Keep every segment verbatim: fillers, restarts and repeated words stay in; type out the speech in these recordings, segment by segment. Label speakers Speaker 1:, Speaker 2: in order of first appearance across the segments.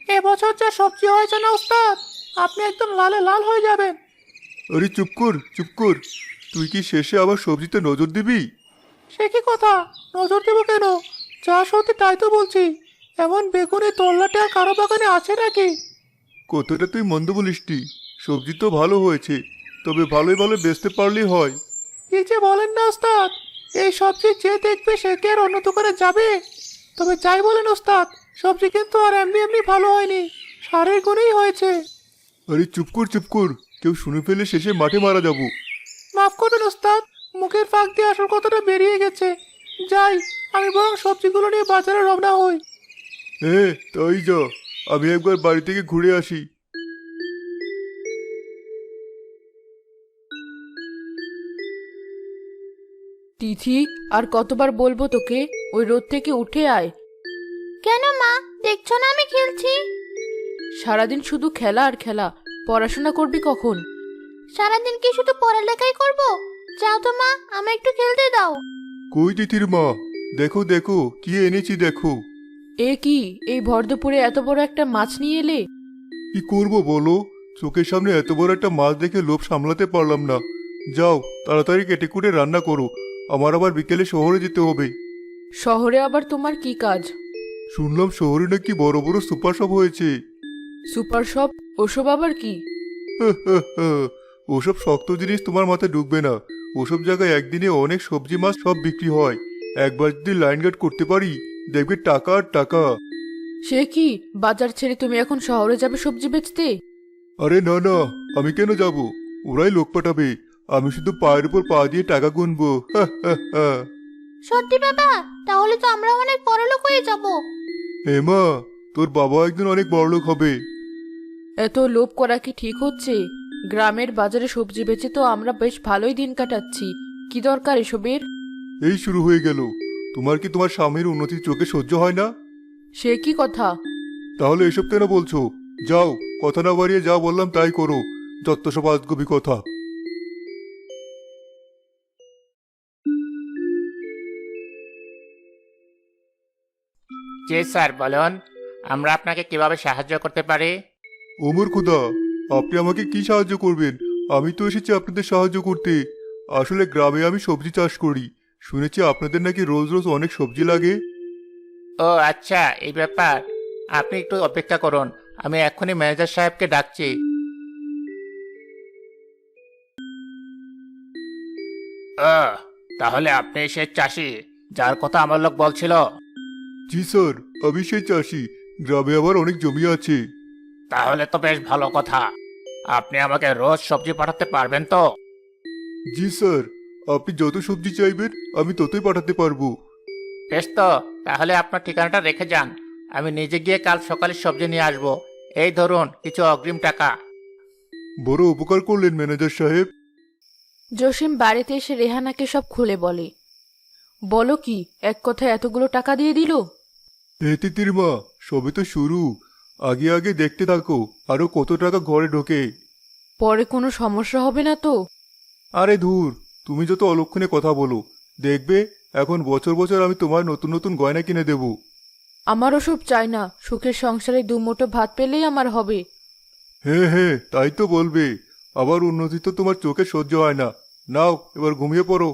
Speaker 1: এবছর যা সবজি হয়েছে না ওস্তাদ, আপনি একদম লালে লাল হয়ে যাবেন।
Speaker 2: আরে চুপ কর চুপ কর, তুই কি শেষে আবার সবজিতে নজর দিবি?
Speaker 1: সে কি কথা, নজর দেবো কেন? যা সত্যি তাই তো বলছি। এমন বেগুনি তল্লাটে আর কারো বাগানে আছে নাকি?
Speaker 2: কতটা তুই মন্দ বলিসটি, সবজি তো ভালো হয়েছে, তবে ভালোই ভালো বেচতে পারলেই হয়।
Speaker 1: কি যে বলেন না ওস্তাদ, এই সবজি যে দেখবে সে কি আর অন্য দোকানে যাবে? তবে যাই বলেন ওস্তাদ, সবজি কিন্তু আর এমনি এমনি ভালো হয়নি, সারের গুণেই হয়েছে।
Speaker 2: আরে চুপ কর চুপ কর, কেউ শুনে ফেলে শেষে মাঠে মারা যাব।
Speaker 1: মাফ করবেন ওস্তাদ, মুখের ফাঁক দিয়ে আসল কথাটা বেরিয়ে গেছে। যাই, আমি বরং সবজিগুলো নিয়ে বাজারে রওনা হই।
Speaker 2: হ্যাঁ তাই যা, আমি একবার বাড়ি থেকে ঘুরে আসি।
Speaker 3: তিথি, আর কতবার বলবো তোকে ওই রোদ থেকে উঠে আয়?
Speaker 4: কেন মা, দেখছো না আমি খেলছি?
Speaker 3: সারাদিন শুধু খেলা আর খেলা, পড়াশোনা করবি কখন?
Speaker 4: সারাদিন কি শুধু পড়ালেখাই করব? যাও তো মা, আমায় একটু খেলতে দাও।
Speaker 2: কই তিথির মা, দেখো দেখো কি এনেছি দেখো।
Speaker 3: এ কি, এই ভর দুপুরে এত বড় একটা মাছ নিয়ে এলে?
Speaker 2: কি করব বলো, চোখের সামনে এত বড় একটা মাছ দেখে লোভ সামলাতে পারলাম না। যাও তাড়াতাড়ি কেটে কুটে রান্না করো, আমার আবার বিকেলে শহরে যেতে হবে।
Speaker 3: শহরে আবার তোমার কি কাজ?
Speaker 2: শুনলাম শহরে নাকি বড় বড় সুপার শপ হয়েছে।
Speaker 3: Super shop? ওসব আবার কি?
Speaker 2: ওসব শক্ত জিনিস তোমার মাথায় ঢুকবে না। ওসব জায়গায় একদিনে অনেক সবজি মাছ সব বিক্রি হয়। একবার যদি লাইন গার্ড করতে পারি, দেখবে টাকা আর টাকা।
Speaker 3: সে কি, বাজার ছেড়ে তুমি এখন শহরে যাবে সবজি বেচতে?
Speaker 2: আরে না না, আমি কেন যাব, ওরাই লোক পাঠাবে, আমি শুধু পায়ের উপর পা দিয়ে টাকা গুনবো।
Speaker 4: সত্যি বাবা? তাহলে তো আমরা অনেক বড়লোক হয়ে যাব।
Speaker 2: হেমা, তোর বাবা একদিন অনেক বড়লোক হবে।
Speaker 3: এত লোভ করা কি ঠিক হচ্ছে? গ্রামের বাজারে সবজি বেচে তো আমরা বেশ ভালোই দিন কাটাচ্ছি, কি দরকার এসবের?
Speaker 2: এই শুরু হয়ে গেল। তোমার কি তোমার স্বামীর উন্নতির চোখে সহ্য হয় না?
Speaker 3: সে কি কথা?
Speaker 2: তাহলে এসব কেন বলছো? যাও, কথা না বাড়িয়ে যা বললাম তাই করো, যত সব আজগুবি কথা।
Speaker 5: জি স্যার, বলুন আমরা আপনাকে কিভাবে সাহায্য করতে পারি?
Speaker 2: ওমর খুদা, আপনি আমাকে কি সাহায্য করবেন? আমি তো এসেছি আপনাদের সাহায্য করতে। আসলে গ্রামে আমি সবজি চাষ করি, শুনেছি আপনাদের নাকি রোজ রোজ অনেক সবজি লাগে।
Speaker 5: ও আচ্ছা, এই ব্যাপার। আপনি একটু অপেক্ষা করুন, আমি এক্ষুনি ম্যানেজার সাহেবকে ডাকছি। ও, তাহলে আপনি সে চাষি যার কথা আমার লোক বলছিল?
Speaker 2: জি স্যার, আমি সেই চাষি, গ্রামে আমার অনেক জমি আছে।
Speaker 5: তাহলে তো বেশ ভালো কথা। আপনি আমাকে রোজ সবজি পাঠাতে পারবেন তো?
Speaker 2: জি স্যার, আপনি যত সবজি চাইবেন আমি ততই পাঠাতে পারবো।
Speaker 5: বেশ তো, তাহলে আপনার ঠিকানাটা রেখে যান, আমি নিজে গিয়ে কাল সকালে সবজি নিয়ে আসবো। এই ধরুন কিছু অগ্রিম টাকা।
Speaker 2: বড় উপকার করলেন ম্যানেজার সাহেব।
Speaker 3: জসিম বাড়িতে এসে রেহানাকে সব খুলে বলে। বলো কি, এক কথায় এতগুলো টাকা দিয়ে দিল?
Speaker 2: হে তিতির মা, সবে তো শুরু, আগে আগে দেখতে থাকো আরো কত টাকা ঘরে ঢোকে।
Speaker 3: পরে কোনো সমস্যা হবে না তো?
Speaker 2: আরে ধুর, তুমি যত অলক্ষণে কথা বলো, দেখবে এখন বছর বছর আমি তোমার নতুন নতুন গয়না কিনে দেব।
Speaker 3: আমার ওসব চাই না, সুখের সংসারে দুমুঠো ভাত পেলেই আমার হবে।
Speaker 2: হ্যাঁ হ্যাঁ, তাই তো বলবে, আবার উন্নতি তো তোমার চোখে সহ্য হয় না। নাও এবার ঘুমিয়ে পড়ো।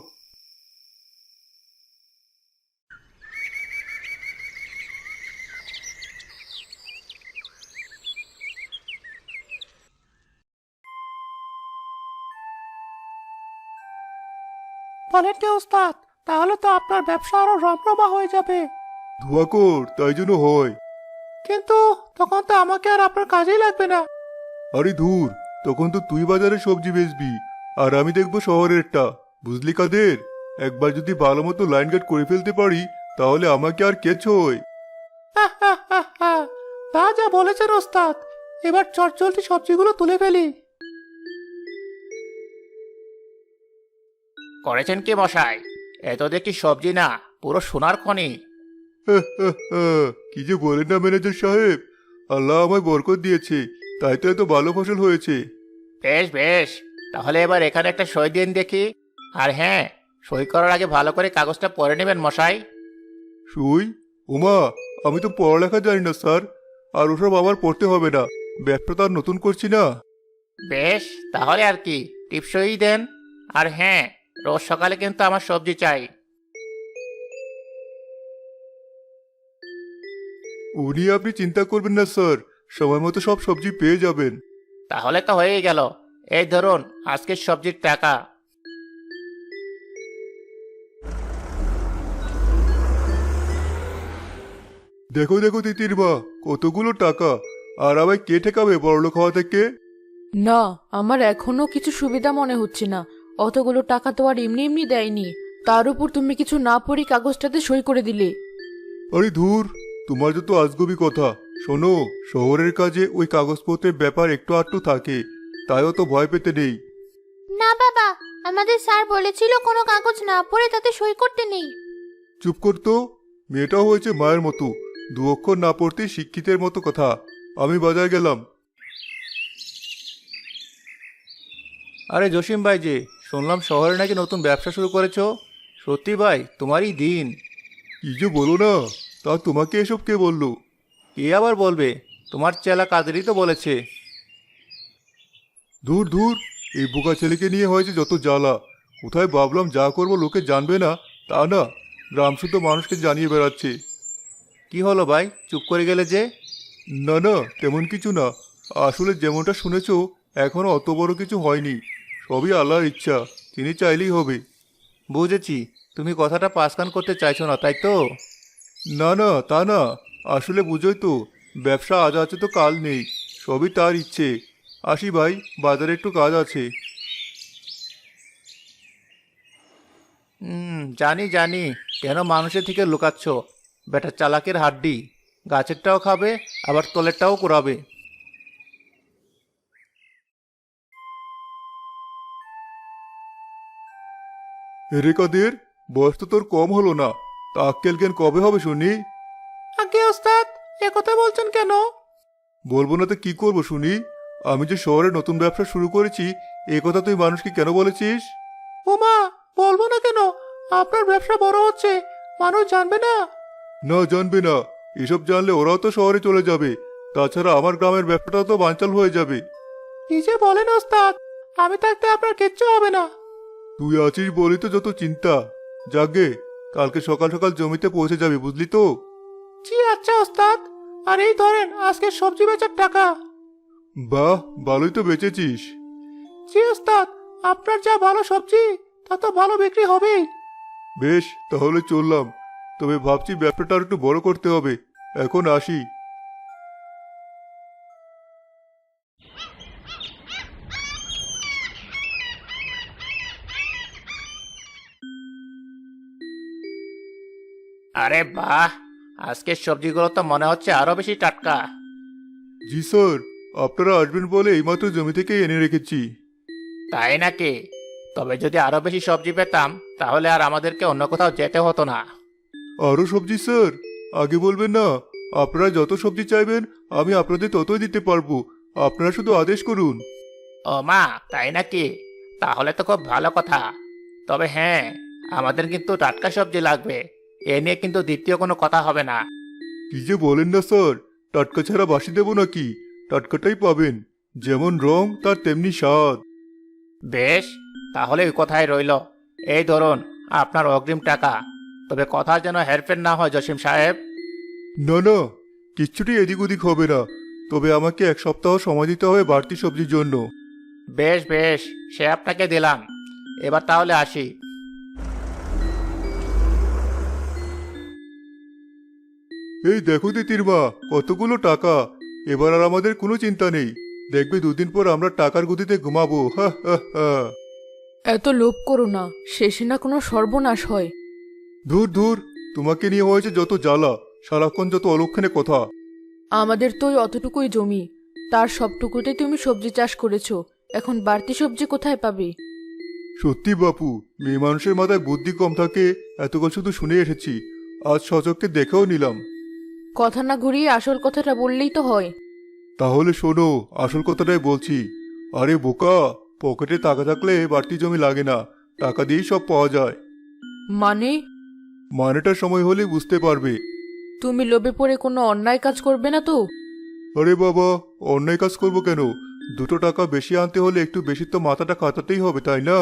Speaker 1: বলেন কি ওস্তাদ, তাহলে তো আপনার ব্যবসা আরো রমরমা হয়ে যাবে।
Speaker 2: ধোয়া কর, তাই জন্য হয়।
Speaker 1: কিন্তু তখন তো আমাকে আর আপনার কাজেই লাগবে না।
Speaker 2: আরে ধুর, তখন তো তুই বাজারে সবজি বেচবি, আর আমি দেখবো শহরেরটা। বুঝলি কাদের, একবার যদি ভালো মতো লাইন গার্ড করে ফেলতে পারি, তাহলে আমাকে আর কে ছোয়।
Speaker 1: তা যা বলেছেন ওস্তাদ, এবার চটজলদি সবজিগুলো তুলে ফেলি।
Speaker 5: করেছেন কি মশাই? এত দেখি সবজি না, পুরো সোনার খনি।
Speaker 2: কি যে বলেন না ম্যানেজার সাহেব, আল্লাহ আমায় বরকত দিয়েছে, তাই তো এত ভালো ফসল হয়েছে।
Speaker 5: বেশ বেশ, তাহলে এবার এখানে একটা সই দিন দেখি। আর হ্যাঁ, সই করার আগে ভালো করে কাগজটা পড়ে নেবেন মশাই।
Speaker 2: সুই? ওমা, আমি তো পড়ালেখা জানি না স্যার, আর ওসব আবার পড়তে হবে না। ব্যবসা তো আর নতুন করছি না।
Speaker 5: বেশ, তাহলে আর কি, টিপসই দেন। আর হ্যাঁ, রোজ সকালে কিন্তু আমার সবজি চাই।
Speaker 2: ও নিয়ে আপনি চিন্তা করবেন না স্যার, সময় মতো সব সবজি পেয়ে যাবেন।
Speaker 5: তাহলে তো হয়েই গেল। এই ধরুন আজকের সবজির টাকা।
Speaker 2: দেখো দেখো তিতির মা, কতগুলো টাকা! আর আমায় কে ঠেকাবে বড়লোক হওয়া থেকে?
Speaker 3: না, আমার এখনো কিছু সুবিধা মনে হচ্ছে না। অতগুলো টাকা তো আর এমনি এমনি দেয়নি। তার উপর তুমি কিছু না পড়ি কাগজটাতে সই করে দিলে।
Speaker 2: আরে ধুর, তোমার যত আজগুবি কথা। শোনো, শহরের কাজে ওই কাগজপত্রের ব্যাপার একটু আধটু থাকে, তাইও তো ভয় পেতে নেই।
Speaker 4: না বাবা, আমাদের স্যার বলেছিল কোনো কাগজ না পড়ে তাতে সই করতে নেই।
Speaker 2: চুপ করতো, মেয়েটাও হয়েছে মায়ের মতো, দু অক্ষর না পড়তে শিক্ষিতের মতো কথা। আমি বাজার গেলাম।
Speaker 5: আরে জসিম ভাই যে, শুনলাম শহরে নাকি নতুন ব্যবসা শুরু করেছো। সত্যি ভাই, তোমারই দিন।
Speaker 2: কি যে বলো না, তা তোমাকে এসব কে বললো?
Speaker 5: কে আবার বলবে? তোমার চেলা কাদেরই তো বলেছে।
Speaker 2: দূর দূর, এই বোকা ছেলেকে নিয়ে হয়েছে যত জ্বালা। কোথায় ভাবলাম যা করবো লোকে জানবে না, তা না, গ্রাম শুদ্ধ মানুষকে জানিয়ে বেড়াচ্ছে।
Speaker 5: কি হলো ভাই, চুপ করে গেলে যে?
Speaker 2: না না, তেমন কিছু না। আসলে যেমনটা শুনেছো, এখনো অত বড় কিছু হয়নি। সবই আল্লাহর ইচ্ছা, তিনি চাইলেই হবে।
Speaker 5: বুঝেছি, তুমি কথাটা পাসকান করতে চাইছো না, তাই তো?
Speaker 2: না না, তা না। আসলে বুঝোই তো, ব্যবসা আজ আছে তো কাল নেই, সবই তার ইচ্ছে। আসি ভাই, বাজারে একটু কাজ আছে।
Speaker 5: হুম, জানি জানি, কেন মানুষের থেকে লুকাচ্ছ। বেটা চালাকের হাড্ডি, গাছেরটাও খাবে আবার তলেরটাও কুড়াবে।
Speaker 2: রে কাদের, বয়স তো তোর কম হলো না, তা আক্কেল জ্ঞান কবে হবে শুনি?
Speaker 1: আগে ওস্তাদ, এ কথা বলছেন কেন?
Speaker 2: বলবো না তো কি করবো শুনি? আমি যে শহরে নতুন ব্যবসা শুরু করেছি, এ কথা তুই মানুষকে কেন বলেছিস?
Speaker 1: ওমা, বলবো না কেন? আপনার ব্যবসা বড় হচ্ছে, মানুষ জানবে না?
Speaker 2: না, জানবে না। এসব জানলে ওরাও তো শহরে চলে যাবে। তাছাড়া আমার গ্রামের ব্যবসাটাও তো বানচাল হয়ে যাবে।
Speaker 1: কি যে বলেন ওস্তাদ, আমি থাকতে আপনার কিচ্ছু হবে না।
Speaker 2: তুই আছিস বলি তো যত চিন্তা। যাগে, কালকে সকাল সকাল জমিতে পৌঁছে যাবি, বুঝলি তো?
Speaker 1: জি আচ্ছা ওস্তাদ, আর এই ধরেন আজকের সবজি বেচার টাকা।
Speaker 2: বাহ, ভালোই তো বেচেছিস।
Speaker 1: জি ওস্তাদ, আপনার যা ভালো সবজি, তা তো ভালো বিক্রি হবেই।
Speaker 2: বেশ, তাহলে চললাম। তবে ভাবছি ব্যবসাটা আর একটু বড় করতে হবে। এখন আসি।
Speaker 5: আরে বাহ, আজকের সবজিগুলো তো মনে হচ্ছে আরো বেশি টাটকা।
Speaker 2: জি স্যার, আপনারা আসবেন বলে এইমাত্র জমি থেকে এনে রেখেছি।
Speaker 5: তাই নাকি? তবে যদি আরো বেশি সবজি পেতাম, তাহলে আর আমাদেরকে অন্য কোথাও যেতে হতো না।
Speaker 2: আরো সবজি স্যার? আগে বলবেন না। আপনারা যত সবজি চাইবেন আমি আপনাদের ততই দিতে পারবো। আপনারা শুধু আদেশ করুন।
Speaker 5: ও মা, তাই নাকি? তাহলে তো খুব ভালো কথা। তবে হ্যাঁ, আমাদের কিন্তু টাটকা সবজি লাগবে। এ নিয়ে কিন্তু দ্বিতীয় কোনো কথা হবে না।
Speaker 2: কি যে বলেন না স্যার, টাটকা ছাড়া বাসি দেবো নাকি? টাটকাটাই পাবেন। যেমন রং তার তেমনি স্বাদ।
Speaker 5: বেশ, তাহলে ওই কথাই রইল। এই ধরুন আপনার অগ্রিম টাকা। তবে কথা যেন হেরফের না হয় জসিম সাহেব।
Speaker 2: না না, কিচ্ছুটি এদিক ওদিক হবে না। তবে আমাকে এক সপ্তাহ সময় দিতে হবে বাড়তি সবজির জন্য।
Speaker 5: বেশ বেশ, সে আপনাকে দিলাম। এবার তাহলে আসি।
Speaker 2: এই দেখো তিতির মা, কতগুলো টাকা! এবার আর আমাদের কোনো চিন্তা নেই। দেখবে দুদিন পর আমরা টাকার গতিতে ঘুমাবো। হা হা হা।
Speaker 3: এত লোভ করো না, শেষে না কোনো সর্বনাশ হয়।
Speaker 2: ধুর ধুর, তোমাকে নিয়ে হয়েছে যত জ্বালা, সারাক্ষণ যত অলক্ষণে কথা।
Speaker 3: আমাদের তো ওই অতটুকুই জমি, তার সবটুকুতে তুমি সবজি চাষ করেছো। এখন বাড়তি সবজি কোথায় পাবে?
Speaker 2: সত্যি বাপু, মেয়ে মানুষের মাথায় বুদ্ধি কম থাকে, এতকাল শুধু শুনে এসেছি। আজ সচককে দেখেও নিলাম।
Speaker 3: কথা না ঘুরিয়ে আসল কথাটা বললেই তো হয়।
Speaker 2: তাহলে শোনো, আসল কথাটাই বলছি। আরে বোকা, পকেটে টাকা থাকলে বাড়তি জমি লাগে না, টাকা দিয়েই সব পাওয়া যায়।
Speaker 3: মানে?
Speaker 2: মানেটা সময় হলে বুঝতে পারবে।
Speaker 3: তুমি লোভে পড়ে কোনো অন্যায় কাজ করবে না তো?
Speaker 2: আরে বাবা, অন্যায় কাজ করবো কেন? দুটো টাকা বেশি আনতে হলে একটু বেশি তো মাথাটা খাটাতেই হবে, তাই না?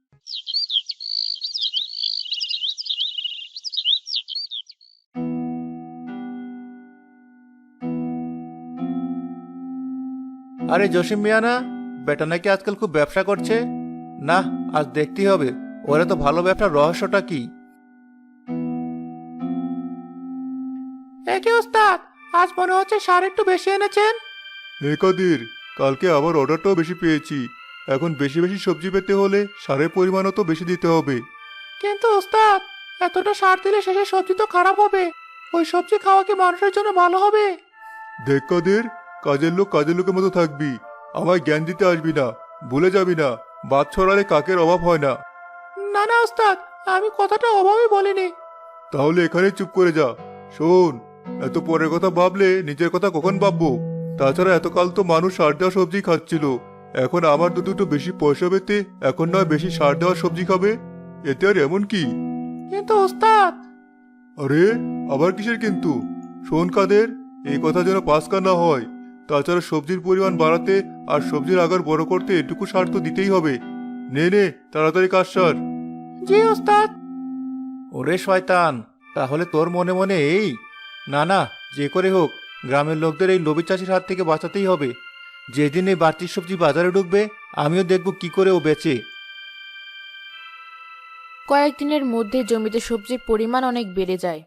Speaker 5: আরে জসিম মিয়া না, বেটা নাকি আজকাল খুব ব্যবসা করছে। না, আজ দেখতেই হবে ওরা তো ভালো ব্যবসার রহস্যটা কি।
Speaker 1: একে ওস্তাদ, আজ মনে হচ্ছে সার একটু বেশি এনেছেন।
Speaker 2: হে কাদের, কালকে আবার অর্ডারটাও বেশি পেয়েছি। এখন বেশি বেশি সবজি পেতে হলে সারের পরিমাণও তো বেশি দিতে হবে।
Speaker 1: কিন্তু ওস্তাদ, এতটা সার দিলে শেষে সবজি তো খারাপ হবে। ওই সবজি খাওয়া কি মানুষের জন্য ভালো হবে?
Speaker 2: দেখ কাদের, কাজের লোক কাজের লোকের মতো থাকবি। আমায় জ্ঞান দিতে আসবি না, ভুলে যাবি না, বাদ ছড়ালে কাকের অভাব হয় না।
Speaker 1: না না ওস্তাদ, আমি কথাটা অভাবে বলিনি।
Speaker 2: তাহলে এখানে চুপ করে যা। শোন, এত পরের কথা ভাবলে নিজের কথা কখন ভাববো? তাছাড়া এতকাল তো মানুষ সার দেওয়া সবজি খাচ্ছিল। এখন আমার তো দুটো বেশি পয়সা পেতে এখন নয় বেশি সার দেওয়া সবজি খাবে? এতে আর এমন কি?
Speaker 1: কিন্তু ওস্তাদ,
Speaker 2: আরে আবার কিসের কিন্তু? শোন কাদের, এই কথা যেন পাস্কা না হয়। তাছাড়া সবজির পরিমাণ বাড়াতে আর সবজির আগার বড় করতে এটুকু সার তো দিতেই হবে। নে নে, তাড়াতাড়ি কাজ সার।
Speaker 1: জি ওস্তাদ।
Speaker 5: ওরে শয়তান, তাহলে তোর মনে মনে এই? না না, যে করে হোক গ্রামের লোকদের এই লোভী চাষির হাত থেকে বাঁচাতেই হবে। যেদিন এই বাড়তি সবজি বাজারে ঢুকবে, আমিও দেখব কি করে ও বেচে।
Speaker 3: কয়েকদিনের মধ্যে জমিতে সবজির পরিমাণ অনেক বেড়ে যায়।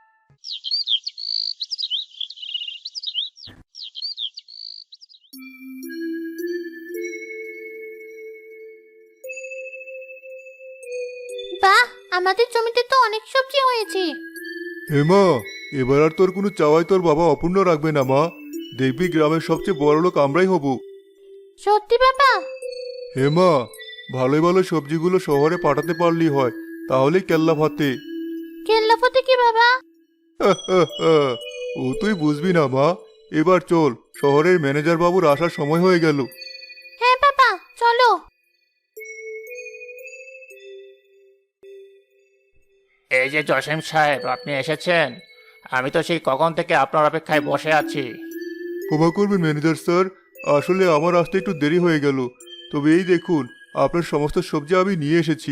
Speaker 4: বাহ, আমাদের জমিতে তো অনেক সবজি হয়েছে।
Speaker 2: হেমা, এবার আর তোর কোনো চাওয়াই তোর বাবা অপূর্ণ রাখবে না মা। দেখবি গ্রামের সবচেয়ে বড় লোক আমরাই হব।
Speaker 4: সত্যি বাবা?
Speaker 2: হেমা, ভালোই ভালো সবজিগুলো শহরে পাঠাতে পারলি হয়, তাহলেই কেল্লা ভাতে।
Speaker 4: কেল্লাফতে কি বাবা?
Speaker 2: ও তুই বুঝবি না মা। এবার চল, শহরের ম্যানেজার বাবুর আসার সময় হয়ে গেল।
Speaker 4: হ্যাঁ বাবা, চলো।
Speaker 5: এই যে জসিম সাহেব, আপনি এসেছেন। আমি তো সেই কখন থেকে আপনার অপেক্ষায় বসে আছি।
Speaker 2: ক্ষমা করবেন ম্যানেজার স্যার, আসলে আমার আসতে একটু দেরি হয়ে গেল। তবে এই দেখুন, আপনার সমস্ত সবজি আমি নিয়ে এসেছি।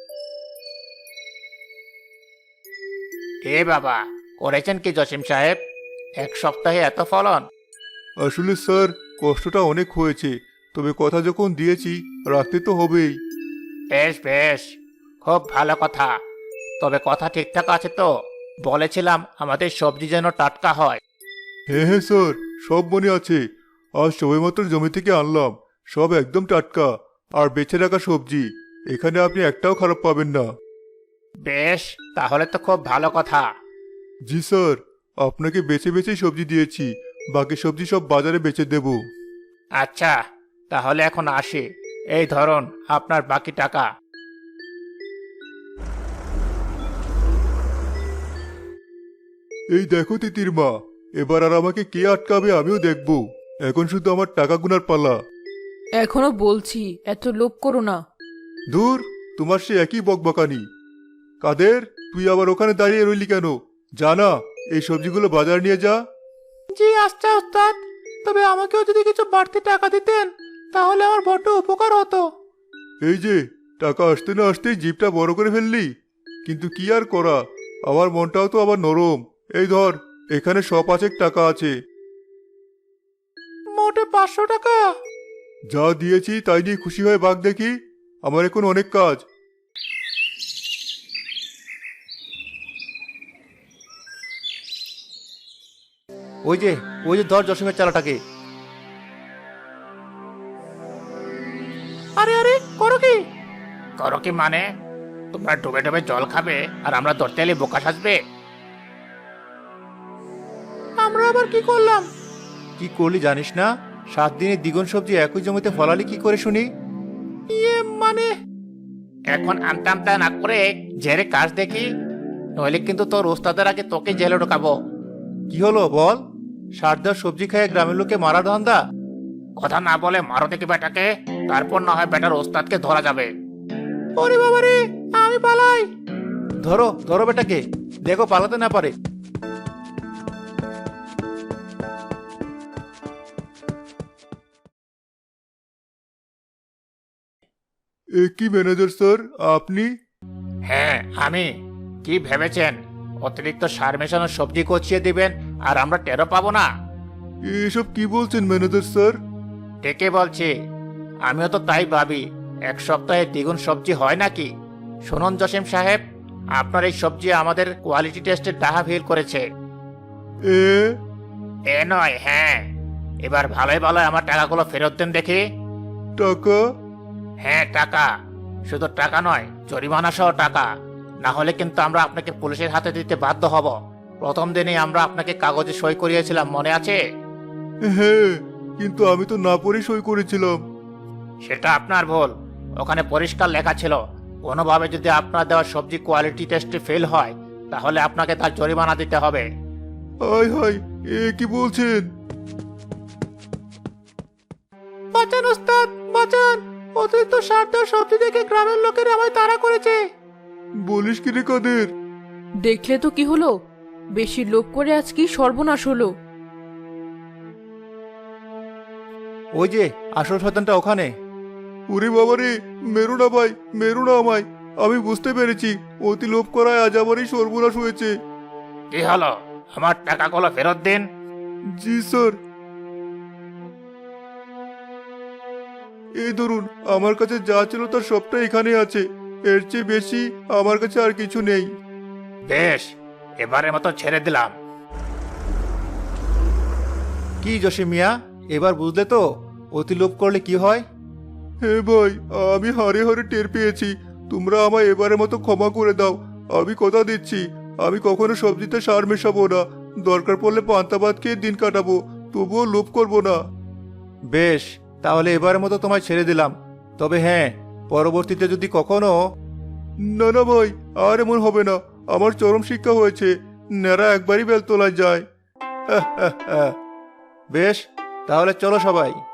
Speaker 5: এ বাবা, করেছেন কি জসিম সাহেব? এক সপ্তাহে এত ফলন?
Speaker 2: আসলে স্যার, কষ্টটা অনেক হয়েছে, তবে কথা যখন দিয়েছি রাখতে তো হবেই।
Speaker 5: বেশ বেশ, খুব ভালো কথা। তবে কথা ঠিকঠাক আছে তো? বলেছিলাম আমাদের সবজি যেন টাটকা হয়।
Speaker 2: হ্যাঁ হ্যাঁ স্যার, সব মনে আছে। আজ সবেমাত্র জমি থেকে আনলাম, সব একদম টাটকা আর বেছে রাখা সবজি। এখানে আপনি একটাও খারাপ পাবেন না।
Speaker 5: বেশ, তাহলে তো খুব ভালো কথা।
Speaker 2: জি স্যার, আপনাকে বেছে বেছেই সবজি দিয়েছি, বাকি সবজি সব বাজারে বেচে দেব।
Speaker 5: আচ্ছা, তাহলে এখন আসি। এই ধরুন আপনার বাকি টাকা।
Speaker 2: এই দেখো তিতির মা, এবার আর আমাকে কে আটকাবে আমিও দেখব। এখন শুধু আমার টাকা গুনার পালা।
Speaker 3: এখনো বলছি, এত লোভ করো না।
Speaker 2: দূর, তোমার সে একই বকবকানি। কাদের, তুই আবার ওখানে দাঁড়িয়ে রইলি কেন? জানা, এই সবজিগুলো বাজার নিয়ে যা।
Speaker 1: জি আচ্ছা ওস্তাদ, তবে আমাকেও যদি কিছু বাড়তি টাকা দিতেন তাহলে আমার বড্ড উপকার হতো।
Speaker 2: এই যে, টাকা আসতে না আসতেই জিপটা বড় করে ফেললি। কিন্তু কি আর করা, আমার মনটাও তো আবার নরম। এই ধর, এখানে শ পাঁচেক টাকা আছে।
Speaker 1: মোটে পাঁচশো টাকা?
Speaker 2: যা দিয়েছি তাই নিয়ে খুশি হয়ে ভাগ দেখি, আমার এখন অনেক কাজ।
Speaker 5: ওই যে ওই যে ধর জসিমের চালাটাকে।
Speaker 1: আরে আরে, করো কি?
Speaker 5: করো কি মানে? তোমরা ডুবে ডুবে জল খাবে আর আমরা ধরতে এলে বোকা সাজবে?
Speaker 1: আমরা আবার কি করলাম?
Speaker 5: কি করলি জানিস না? সাত দিনে দ্বিগুণ সবজি একই জমিতে ফলালি কি করে শুনি?
Speaker 1: ইয়ে মানে,
Speaker 5: এখন আমতা আমতা না করে জেরে কাজ দেখি, নইলে কিন্তু তোর ওস্তাদের আগে তোকে জেলে ঢোকাবো। কি হলো বল? সার দেওয়া সবজি খেয়ে গ্রামের লোকে মারা ধান্দা? কথা না বলে মারো দেখি বেটাকে, তারপর না হয় বেটার ওস্তাদকে ধরা যাবে।
Speaker 1: ওরে বাবা রে, আমি পালাই।
Speaker 5: ধরো ধরো বেটাকে, দেখো পালাতে না পারে।
Speaker 2: এ কি ম্যানেজার স্যার আপনি?
Speaker 5: হ্যাঁ আমি। কি ভেবেছেন অতিরিক্ত সার মেশানো সবজি কচিয়ে দিবেন আর আমরা টেরো পাবো না?
Speaker 2: এসব কি বলছেন ম্যানেজার স্যার?
Speaker 5: ঠিকই বলছি, আমিও তো তাই ভাবি। এক সপ্তাহে দ্বিগুণ সবজি হয় নাকি? শুনুন জসিম সাহেব, আপনার এই সবজি আমাদের কোয়ালিটি টেস্টে ডাহা ফেল করেছে।
Speaker 2: এ
Speaker 5: এ নয়, হ্যাঁ। এবার ভালোই ভালোই আমার টাকাগুলো ফেরত দেন দেখি।
Speaker 2: টাকা?
Speaker 5: হ্যাঁ টাকা। শুধু টাকা নয়, জরিমানা সহ টাকা। না হলে কিন্তু আমরা আপনাকে পুলিশের হাতে দিতে বাধ্য হব। প্রথম দিনেই আমরা আপনাকে কাগজে সই করিয়েছিলাম, মনে আছে?
Speaker 2: হ্যাঁ, কিন্তু আমি তো না পড়ে সই করেছিলাম।
Speaker 5: সেটা আপনার ভুল। ওখানে পরিষ্কার লেখা ছিল, কোনোভাবে যদি আপনার দেওয়া সবজি কোয়ালিটি টেস্টে ফেল হয় তাহলে আপনাকে তার জরিমানা দিতে হবে।
Speaker 2: হাই হাই, এ কি বলছেন?
Speaker 1: বাঁচান ওস্তাদ, বাঁচান! অতিরিক্ত সার দেওয়া সবজি দেখে গ্রামের লোকেরা আমায় তাড়া করেছে।
Speaker 2: বলিস কি রে কাদের?
Speaker 3: দেখলে তো কি হলো, বেশি লোভ করে আজ কি সর্বনাশ হলো।
Speaker 2: ওই যে আসল শয়তানটা ওখানে। ওরে বাবারে, মেরু না ভাই, মেরু না আমায়। আমি বুঝতে পেরেছি অতি লোভ করায় আজ আমারই সর্বনাশ হয়েছে।
Speaker 5: কি হলো? আমার টাকাগুলো ফেরত দিন।
Speaker 2: জি স্যার। এই ধরুন, আমার কাছে যা ছিল তার সবটা এখানে আছে। এর চেয়ে বেশি আমার কাছে আর কিছু নেই।
Speaker 5: বেশ, এবারের মতো ছেড়ে দিলাম।
Speaker 2: কি জসিম মিয়া, এবার বুঝলে তো অতি লোভ করলে কি হয়? হে ভাই, আমি হারে হারে টের পেয়েছি। তোমরা আমায় এবারের মতো ক্ষমা করে দাও। আমি কথা দিচ্ছি, আমি কখনো সবজিতে সার মেশাবো না। দরকার পড়লে পান্তা ভাত খেয়ে দিন কাটাবো, তবুও লোভ করবো না। বেশ, তাহলে এবারের মতো তোমায় ছেড়ে দিলাম। তবে হ্যাঁ, পরবর্তীতে যদি কখনো... না না ভাই, আর এমন হবে না। আমার চরম শিক্ষা হয়েছে, নেড়া একবারই বেল তোলা যায়। বেশ, তাহলে চলো সবাই।